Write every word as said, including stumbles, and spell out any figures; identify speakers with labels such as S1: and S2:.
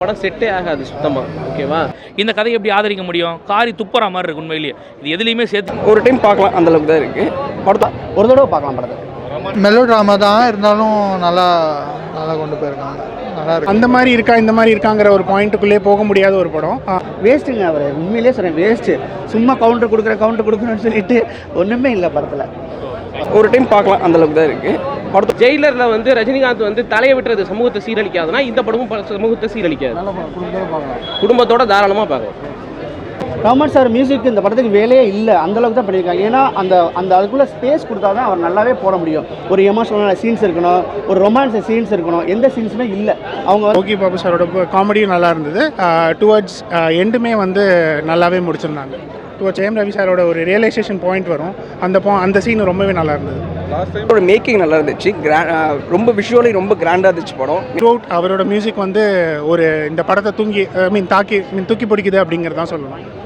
S1: படம் செட்டே ஆகாது சுத்தமா. ஓகேவா?
S2: இந்த கதையை எப்படி ஆதரிக்க முடியும்? காரி துப்புற மாதிரி இருக்கு உண்மையிலேயே. இது எதுலையுமே சேர்த்து
S3: ஒரு டைம் பார்க்கலாம், அந்த அளவுக்கு தான் இருக்கு. படத்தை
S4: ஒரு தடவை பார்க்கலாம் படத்தை.
S5: மெலோ ட்ராமா தான் இருந்தாலும் நல்லா நல்லா கொண்டு போயிருக்காங்க. நல்லா இருக்கு.
S6: அந்த மாதிரி இருக்கா இந்த மாதிரி இருக்காங்கிற ஒரு பாயிண்ட்டுக்குள்ளே போக முடியாத ஒரு படம்.
S4: வேஸ்ட்டுங்க அவர், உண்மையிலே சொல்கிறேன் வேஸ்ட்டு. சும்மா கவுண்டர் கொடுக்குற கவுண்டர் கொடுக்குறேன்னு சொல்லிட்டு ஒன்றுமே இல்லை படத்தில்.
S3: ஒரு டைம் பார்க்கலாம், அந்த அளவுக்கு தான் இருக்கு.
S1: படத்தை ஜெயிலர்ல வந்து ரஜினிகாந்த் வந்து தலையை விட்டுறது சமூகத்தை சீரழிக்காதுன்னா இந்த படமும் ப- சமூகத்தை சீரழிக்காது. குடும்பத்தோட தாராளமாக பார்க்கலாம்.
S4: ரஹ்மான் சார் மியூசிக் இந்த படத்துக்கு வேலையே இல்லை, அந்த அளவுக்கு தான் பண்ணியிருக்காங்க. ஏன்னா அந்த அந்த அதுக்குள்ளே ஸ்பேஸ் கொடுத்தா தான் அவர் நல்லாவே போட முடியும். ஒரு எமோஷனலான சீன்ஸ் இருக்கணும், ஒரு ரொமான்ஸ் சீன்ஸ் இருக்கணும், எந்த சீன்ஸுமே இல்லை. அவங்க
S6: ஓகே பாபு சாரோட காமெடியும் நல்லா இருந்தது. டுவர்ட்ஸ் எண்டுமே வந்து நல்லாவே முடிச்சிருந்தாங்க. டுவர்ட்ஸ் ஏம் ரவி சாரோட ஒரு ரியலைசேஷன் பாயிண்ட் வரும், அந்த பா அந்த சீன் ரொம்பவே நல்லா இருந்தது.
S3: அவரோட மேக்கிங் நல்லா இருந்துச்சு. கிராண்ட், ரொம்ப விஷுவலி ரொம்ப கிராண்டாக இருந்துச்சு படம்.
S6: த்ரூஅவுட் அவரோட மியூசிக் வந்து ஒரு இந்த படத்தை தூங்கி ஐ மீன் தாக்கி மீன் தூக்கி பிடிக்குது அப்படிங்கிறதான் சொல்லணும்.